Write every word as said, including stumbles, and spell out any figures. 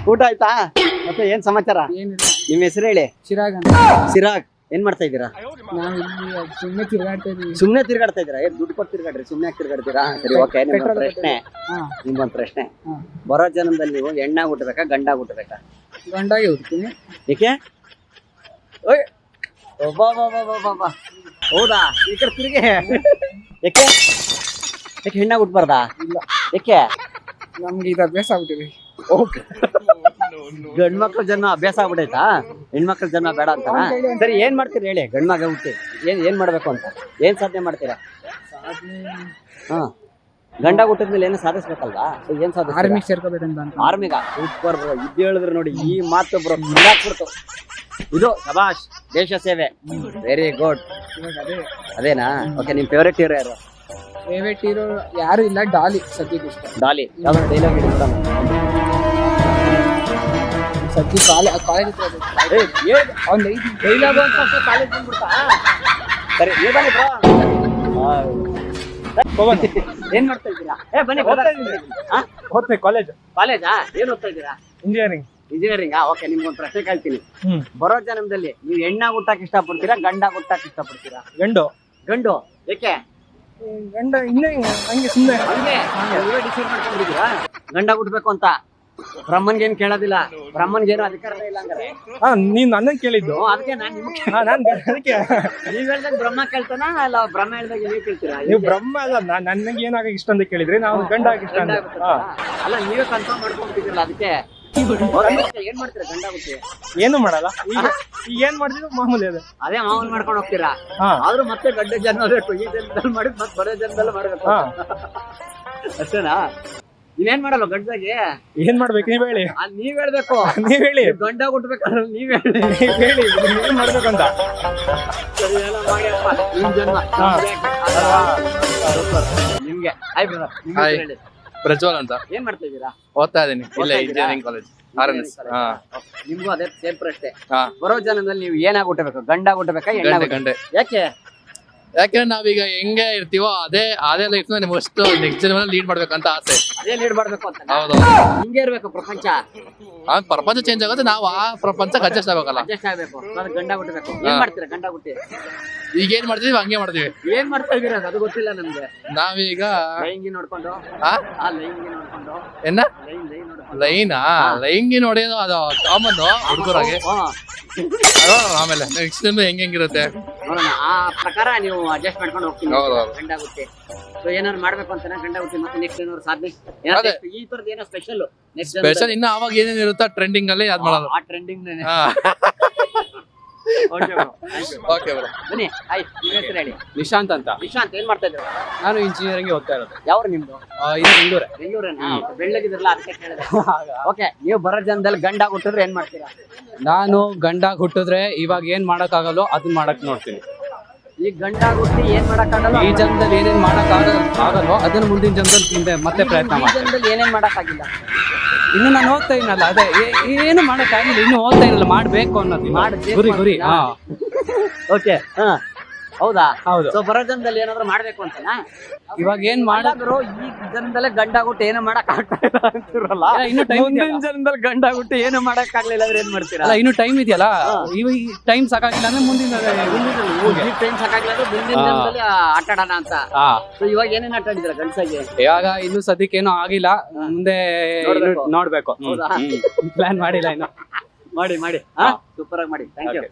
ಊಟ ಆಯ್ತಾ? ಮತ್ತೆ ಏನ್ ಸಮಾಚಾರ? ಏನಿಲ್ಲ. ನಿಮ್ಮ ಹೆಸರು ಹೇಳಿ. ಚಿರಾಗ್ ಅಂತ. ಸಿರಾಗ್, ಏನ್ ಮಾಡ್ತಾ ಇದ್ದೀರಾ? ನಾವ್ ಇಲ್ಲಿ ಸುಮ್ಮನೆ ತಿರ್ಗಾಡ್ತಾ ಇದೀವಿ. ಸುಮ್ನೆ ತಿರ್ಗಾಡ್ತಾ ಇದ್ದೀರಾ? ಏನ್ ದುಡ್ಡು ಕೊಟ್ಟು ತಿರ್ಗಾಡ್ರಿ, ಸುಮ್ನೆ ಯಾಕೆ ತಿರ್ಗಾಡ್ತೀರಾ? ಸರಿ, ಓಕೆ. ನಿಮ್ಗೊಂದು ಪೆಟ್ರೋಲ್ ಪ್ರಶ್ನೆ ಹಾ ನಿಮ್ಗೊಂದು ಪ್ರಶ್ನೆ ಹಾ. ಬರೋ ಜನ್ಮದಲ್ಲಿ ನೀವು ಹೆಣ್ಣಾಗ್ ಹುಟ್ಟಬೇಕಾ ಗಂಡಾಗ್ ಹುಟ್ಟಬೇಕಾ? ಗಂಡಾಗಿ ಹುಡ್ತೀನಿ. ಏಕೆ? ಓಯ್ ಒಬ್ಬ ಹೌದಾ? ಈ ಕಡೆ ತಿರುಗಿ. ಯಾಕೆ ಯಾಕೆ ಹೆಣ್ಣಾಗ್ ಹುಟ್ಬಾರ್ದಾ? ಇಲ್ಲ, ಯಾಕೆ? ನಮ್ಗೆ ಇದು ಅಭ್ಯಾಸ ಆಗ್ಬಿಟ್ಟಿದೆ. ಗಂಡ್ ಮಕ್ಳ ಜನ್ಮ ಅಭ್ಯಾಸ ಆಗ್ಬಿಟ್ಟೈತಾ? ಹೆಣ್ಮಕ್ಳ ಜನ್ಮ ಬೇಡ ಅಂತ? ಸರಿ, ಏನ್ ಮಾಡ್ತೀರಿ ಹೇಳಿ? ಗಂಡ್ ಮಗ ಹುಟ್ಟಿ ಏನ್ ಏನ್ ಮಾಡ್ಬೇಕು ಅಂತ, ಏನ್ ಸಾಧನೆ ಮಾಡ್ತೀರಾ? ಹಾ, ಗಂಡ ಹುಟ್ಟಿದ್ಮೇಲೆ ಏನೋ ಸಾಧಿಸ್ಬೇಕಲ್ವಾ? ಸೊ ಏನ್ ಸಾಧಿಸ್ತೀರಾ? ಆರ್ಮಿಗೆ ಸೇರ್ಕೋಬೇಕಂತ ಅಂತ. ಆರ್ಮಿಗ ಸೂಪರ್ ಬ್ರೋ, ಇದ್ ಹೇಳಿದ್ರೆ ನೋಡಿ ಈ ಮಾತು ಬ್ರೋ ಬಿಡ್ತು. ಇದು ಶಬಾಷ್, ದೇಶ ಸೇವೆ, ವೆರಿ ಗುಡ್. ಇವಾಗ ಅದೇ ಅದೇನಾ? ಓಕೆ, ನಿಮ್ ಫೇವರೇಟ್ ಹೀರೋ ಯಾರು? ಫೇವ್ರೇಟ್ ಹೀರೋ ಯಾರು ಇಲ್ಲ, ಡಾಲಿ ಸದ್ಯಕ್ಕೆ ಇಷ್ಟ. ಡಾಲಿ ಯಾವ್ದಾದ್ರು ಡೈಲಾಗ್ ಹೇಳಿ ಮೇಡಮ್. ಸದ್ಯ ಕಾಲೇಜ್ ಕಾಲೇಜ್ ಅವ್ನು ಐದು ಡೈಲಾಗ್ ಅಂತ ಕಾಲೇಜ್ ಬಂದ್ಬಿಡ್ತಾ? ಸರಿ, ನೀವು ಬನ್ನಿ ಬ್ರೋ. ಏನ್ ಮಾಡ್ತಾ ಇದ್ದೀರಾ? ಏ ಬನ್ನಿ, ಹೋಗ್ತೀನಿ ಕಾಲೇಜ್. ಕಾಲೇಜಾ? ಏನ್ ಓದ್ತಾ ಇದ್ದೀರಾ? ಇಂಜಿನಿಯರಿಂಗ್. ಇಂಜಿನಿಯರಿಂಗ್. ಓಕೆ, ನಿಮ್ಗೊಂದು ಪ್ರಶ್ನೆ ಕೇಳ್ತೀನಿ. ಹ್ಮ್ ಬರೋ ಜನ್ಮದಲ್ಲಿ ನೀವು ಹೆಣ್ಣಾಗ್ ಹುಟ್ಟಾಕ್ ಇಷ್ಟಪಡ್ತೀರಾ ಗಂಡಾಗ್ ಹುಟ್ಟಾಕ್ ಇಷ್ಟಪಡ್ತೀರಾ? ಗಂಡು. ಗಂಡು. ಏಕೆ? ಗಂಡ ಇನ್ನೇ ಹಂಗೆ ಸುಮ್ಮನೆ ಹಂಗೆ ನೀವೇ ಡಿಸೈಡ್ ಮಾಡ್ಕೊಂಡಿದ್ದೀರಾ ಗಂಡಾಗ್ ಹುಟ್ಬೇಕು ಅಂತ? ಬ್ರಹ್ಮನ್ಗೆ ಏನ್ ಕೇಳೋದಿಲ್ಲ, ಬ್ರಹ್ಮನ್ಗೆ ಏನೋ ಅಧಿಕಾರನೇ ಇಲ್ಲ ಹಂಗಾರೆ. ಹಾ, ನೀನ್ ನನ್ನನ್ ಕೇಳಿದ್ದು. ಹ್ಮ್, ಅದಕ್ಕೆ ನಾನ್ ನಿಮ್ಗೆ ಹಾ, ನಾನ್ ಅದಕ್ಕೆ ನೀವ್ ಹೇಳ್ದಾಗ ಬ್ರಹ್ಮ ಕೇಳ್ತಾನ ಅಲ್ಲ ಬ್ರಹ್ಮ ಹೇಳ್ದಾಗ ನೀವ್ ಕೇಳ್ತೀರಾ? ನೀವು ಬ್ರಹ್ಮ ಅಲ್ಲ, ನಾನ್ ನನಗೆ ಏನಾಗ ಇಷ್ಟ ಅಂತ ಕೇಳಿದ್ರೆ ನಾವು ಗಂಡ ಆಗಿ ಇಷ್ಟ ಅಂತ. ಹಾ, ಅಲ್ಲ ನೀವೇ ಕನ್ಫರ್ಮ್ ಮಾಡ್ಕೊಂಡ್ಬಿಟ್ಟಿದ್ರಲ್ಲ, ಅದಕ್ಕೆ ಏನ್ ಮಾಡ್ತೀರಾ ಗಂಡಾಗುತ್ತೆ? ಏನು ಮಾಡಲ್ಲ. ಈಗ ಈಗ ಏನ್ ಮಾಡ್ತಿದ್ರು ಮಾಮೂಲಿ ಅದೇ ಅದೇ ಮಾವನ್ ಮಾಡ್ಕೊಂಡು ಹೋಗ್ತೀರಾ? ಹಾ ಆದ್ರೂ ಮತ್ತೆ ಗಂಡ ಜನ್ಮ ಬೇಕು, ಈ ಜನ್ಮದಲ್ಲಿ ಮಾಡಿದ್ ಮತ್ತೆ ಬರೋ ಜನ್ಮದಲ್ಲಿ ಮಾಡ್ಬೇಕು. ಹಾ ಅಷ್ಟೇನಾ? ನೀವೇನ್ ಮಾಡಲ್ಲ ಗಂಡದಾಗೆ? ಏನ್ ಮಾಡ್ಬೇಕು ನೀವ್ ಹೇಳಿ. ಅದ್ ನೀವ್ ಹೇಳ್ಬೇಕು. ನೀವ್ ಹೇಳಿ, ಗಂಡ ಹುಟ್ಬೇಕಾದ್ರೆ ನೀವ್ ಹೇಳಿ. ನೀವ್ ಹೇಳಿ ಏನ್ ಮಾಡ್ಬೇಕಂತ. ಸರಿ, ಎಲ್ಲ ಮಾಡಿ ಅಪ್ಪ, ನಿಮ್ ಜನ್ಮ ಹಾ. ನಿಮ್ಗೆ ಹಾಯ್ ಬ್ರದರ್, ನಿಮ್ ಹಾಯ್. ಹೇಳಿ. ಪ್ರಜ್ವಲ್ ಅಂತ ಏನ್ ಮಾಡ್ತಾ ಇದ್ದೀರಾ? ಓದ್ತಾ ಇದೀನಿ ಓದ್ತಾ ಇಲ್ಲ ಇದ್ದೀರಾ? Engineering college R N S. ಹಾ ನಿಮ್ಗೂ ಅದೇ ಸೇಮ್ ಪ್ರಶ್ನೆ. ಹಾ ಬರೋ ಜನ್ಮದಲ್ಲಿ ನೀವು ಏನಾಗ್ ಹುಟ್ಟಬೇಕು? ಗಂಡಾಗ್ ಹುಟ್ಟಬೇಕಾ ಗಂಡೆ ಹೆಣ್ಣಾಗ್ ಗಂಡೆ ಯಾಕೆ? ಯಾಕಂದ್ರೆ ನಾವೀಗ ಹೆಂಗೆ ಇರ್ತೀವೋ ಅದೇ ಅದೇ ಲೈಫ್ ನ ನಿಮ್ಗೆ ಅಷ್ಟು ನೆಕ್ಸ್ಟ್ ಜನ ಲೀಡ್ ಮಾಡ್ಬೇಕಂತ ಆಸೆ. ಅದೇ ಲೀಡ್ ಮಾಡ್ಬೇಕು ಅಂತ? ಹೌದು, ಹಿಂಗೆ ಇರ್ಬೇಕು ಪ್ರಪಂಚ. ಆ ಪ್ರಪಂಚ ಚೇಂಜ್ ಆಗುತ್ತೆ, ನಾವು ಆ ಪ್ರಪಂಚಕ್ಕೆ ಅಡ್ಜಸ್ಟ್ ಆಗ್ಬೇಕಲ್ಲ. ಅಡ್ಜಸ್ಟ್ ಆಗ್ಬೇಕು. ಅದು ಗಂಡ ಹುಟ್ಟಬೇಕು. ಏನ್ ಮಾಡ್ತೀರಾ ಗಂಡ ಹುಟ್ಟಿ? ಈಗ ಏನ್ ಮಾಡ್ತೀವಿ ಹಂಗೆ ಮಾಡ್ತೀವಿ. ಏನ್ ಮಾಡ್ತಾ ಇದೀರ ಅದು ಗೊತ್ತಿಲ್ಲ ನಮ್ಗೆ. ನಾವೀಗ ಲೈಂಗಿ ನೋಡ್ಕೊಂಡು ಆ ಆ ಲೈಂಗಿ ನೋಡ್ಕೊಂಡು ಏನ ಲೈನ್ ಲೈನ್ ನೋಡ್ಕೊಂಡು ಲೈನಾ ಲೈಂಗಿ ನೋಡೋದು ಅದು ಕಾಮನ್ ಹುಡುಗರಾಗೆ. ಹಾ, ಆಮೇಲೆ ನೆಕ್ಸ್ಟ್ ಹೆಂಗ್ ಹೆಂಗಿರುತ್ತೆ ನೋಡೋಣ. ಆ ಪ್ರಕಾರ ನೀವು ಅಡ್ಜಸ್ಟ್ ಮಾಡ್ಕೊಂಡು ಹೋಗ್ತೀನಿ ಹೌದು, ಹೌದು. ಗಂಡ ಹುಟ್ಟಿ. ಸೊ ಏನಾದ್ರು ಮಾಡ್ಬೇಕು ಅಂತಾನೆ ಗಂಡ ಹುಟ್ಟಿ, ಮತ್ತೆ ನೆಕ್ಸ್ಟ್ ಏನಾದ್ರು ಸಾಧನೆ ಏನಾದ್ರು ಅದೇ. next ಈ ತರದ್ ಏನೋ ಸ್ಪೆಷಲ್ ನೆಕ್ಸ್ಟ್ ಸ್ಪೆಷಲ್ ಇನ್ನ ಅವಾಗ ಏನೇನ್ ಇರುತ್ತಾ ಟ್ರೆಂಡಿಂಗ್ ಅಲ್ಲಿ ಅದ್ ಮಾಡೋದು. ಆ ಟ್ರೆಂಡಿಂಗ್ ಹಾ ಓಕೆ ಓಕೆ ಬರೋ ಬನ್ನಿ. ಹಾಯ್, ನಿಮ್ಮ ಹೆಸರು ಹೇಳಿ. ನಿಶಾಂತ್ ಅಂತ. ನಿಶಾಂತ್, ಏನ್ ಮಾಡ್ತಾ ಇದ್ದೀರಾ? ನಾನು ಇಂಜಿನಿಯರಿಂಗ್ ಓದ್ತಾ ಇರೋದು. ಯಾವ್ರು ನಿಮ್ದು? ಇದು ಬೆಂಗಳೂರೇ. ಬೆಂಗಳೂರೇನಾ? ಬೆಳ್ಳಗಿದ್ರಲ್ಲ ಅದಕ್ಕೆ ಕೇಳಿದೆ. ಓಕೆ, ನೀವು ಬರೋ ಜನದಲ್ಲಿ ಗಂಡ ಹುಟ್ಟಿದ್ರೆ ಏನ್ ಮಾಡ್ತೀರಾ? ನಾನು ಗಂಡಾಗ್ ಹುಟ್ಟಿದ್ರೆ ಇವಾಗ ಏನ್ ಮಾಡಕ್ ಆಗಲ್ಲೋ ಅದನ್ನ ಮಾಡಕ್ ನೋಡ್ತೀನಿ. ಈ ಗಂಡ ಹುಟ್ಟಿ ಏನ್ ಮಾಡಕ್ಕಾಗಲ್ಲ? ಈ ಜನ್ಮದಲ್ಲಿ ಏನೇನ್ ಮಾಡಕ್ ಆಗ ಆಗಲ್ಲೋ ಅದನ್ನ ಮುಂದಿನ ಜನ್ಮದಲ್ಲಿ ಮುಂದೆ ಮತ್ತೆ ಪ್ರಯತ್ನ ಈ ಮಾಡ್ತೀನಿ. ಜನದಲ್ಲಿ ಏನೇನ್ ಮಾಡಕ್ಕಾಗಿಲ್ಲ? ಇನ್ನು ನಾನು ಓದ್ತಾ ಇನಲ್ಲ, ಅದೇ ಏ- ಏನು ಮಾಡಕ್ ಆಗಿಲ್ಲ, ಇನ್ನು ಓದ್ತಾ ಇರಲ್ಲ, ಮಾಡ್ಬೇಕು ಅನ್ನೋದು ಮಾಡ್ಬೇಕು ಗುರಿ ಗುರಿ. ಹಾ ಓಕೆ, ಹಾ, ಹೌದಾ? ಹೌದು. ಸೊ ಬರೋ ಜನದಲ್ಲಿ ಏನಾದ್ರು ಮಾಡ್ಬೇಕು ಅಂತನಾ? ಇವಾಗ ಏನ್ ಮಾಡ ಮಾಡಾದ್ರು ಈ ಜನದಲ್ಲೇ ಗಂಡ ಹುಟ್ಟಿ ಏನು ಮಾಡಕ್ ಆಗ್ತಾ ಇಲ್ಲ ಅಂತಿರಲ್ಲ. ಇನ್ನು ಟೈಮ್ ಮುಂದಿನ ಜನದಲ್ಲಿ ಗಂಡ ಹುಟ್ಟಿ ಏನು ಮಾಡಕ್ ಆಗ್ಲಿಲ್ಲ ಅಂದ್ರೆ ಏನ್ ಮಾಡ್ತೀರಾ? ಅಲ್ಲ, ಇನ್ನು ಟೈಮ್ ಇದೆಯಲ್ಲ, ಇವಾಗ ಟೈಮ್ ಸಾಕಾಗಿಲ್ಲ ಅಂದ್ರೆ ಮುಂದಿನ ಈ ಟೈಮ್ ಸಾಕಾಗಿಲ್ಲ ಅಂದ್ರೆ ಮುಂದಿನ ಜನದಲ್ಲಿ ಆಟ ಆಡೋಣ ಅಂತ. ಹಾ ಸೊ ಇವಾಗ ಏನೇನ್ ಆಟ ಆಡಿದ್ರ ಗಂಡಸಾಗಿ? ಇವಾಗ ಇನ್ನು ಸದ್ಯಕ್ಕೆ ಏನೋ ಆಗಿಲ್ಲ, ಮುಂದೆ ನೋಡ್ಬೇಕು. ನೋಡ್ಬೇಕು. ಹೌದಾ? ಪ್ಲಾನ್ ಮಾಡಿಲ್ಲ ಇನ್ನು. ಮಾಡಿ ಮಾಡಿ ಸೂಪರ್ ಆಗಿ ಮಾಡಿ. Thank you.